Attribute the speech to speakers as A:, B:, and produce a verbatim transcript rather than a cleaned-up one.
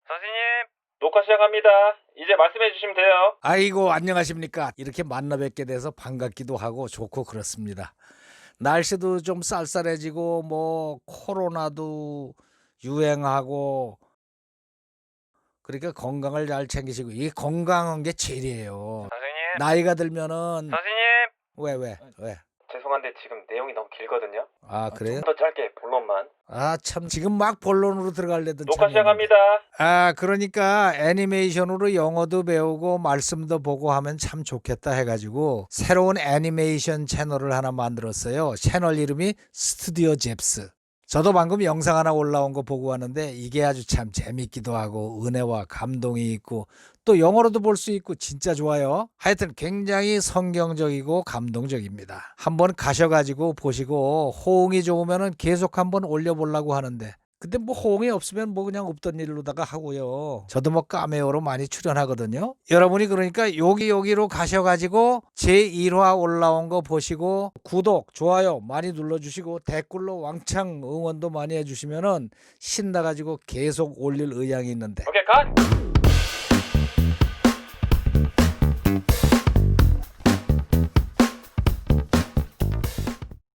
A: 선생님, 녹화 시작합니다. 이제 말씀해 주시면 돼요.
B: 아이고 안녕하십니까. 이렇게 만나 뵙게 돼서 반갑기도 하고 좋고 그렇습니다. 날씨도 좀 쌀쌀해지고 뭐 코로나도 유행하고 그러니까 건강을 잘 챙기시고 이게 건강한 게 제일이에요.
A: 선생님,
B: 나이가 들면은
A: 선생님.
B: 왜 왜 왜?
A: 죄송한데 지금 내용이 너무 길거든요.
B: 아 그래요?
A: 좀 더 짧게 본론만.
B: 아 참 지금 막 본론으로 들어가려던
A: 녹화
B: 참이었는데.
A: 시작합니다.
B: 아 그러니까 애니메이션으로 영어도 배우고 말씀도 보고 하면 참 좋겠다 해가지고 새로운 애니메이션 채널을 하나 만들었어요. 채널 이름이 스튜디오 잽스. 저도 방금 영상 하나 올라온 거 보고 왔는데 이게 아주 참 재밌기도 하고 은혜와 감동이 있고 또 영어로도 볼 수 있고 진짜 좋아요. 하여튼 굉장히 성경적이고 감동적입니다. 한번 가셔가지고 보시고 호응이 좋으면 계속 한번 올려보려고 하는데 근데 뭐 호응이 없으면 뭐 그냥 없던 일로다가 하고요. 저도 뭐 카메오로 많이 출연하거든요. 여러분이 그러니까 여기 여기로 가셔가지고 제일 화 올라온 거 보시고 구독, 좋아요 많이 눌러주시고 댓글로 왕창 응원도 많이 해주시면은 신나가지고 계속 올릴 의향이 있는데
A: 오케이, 컷!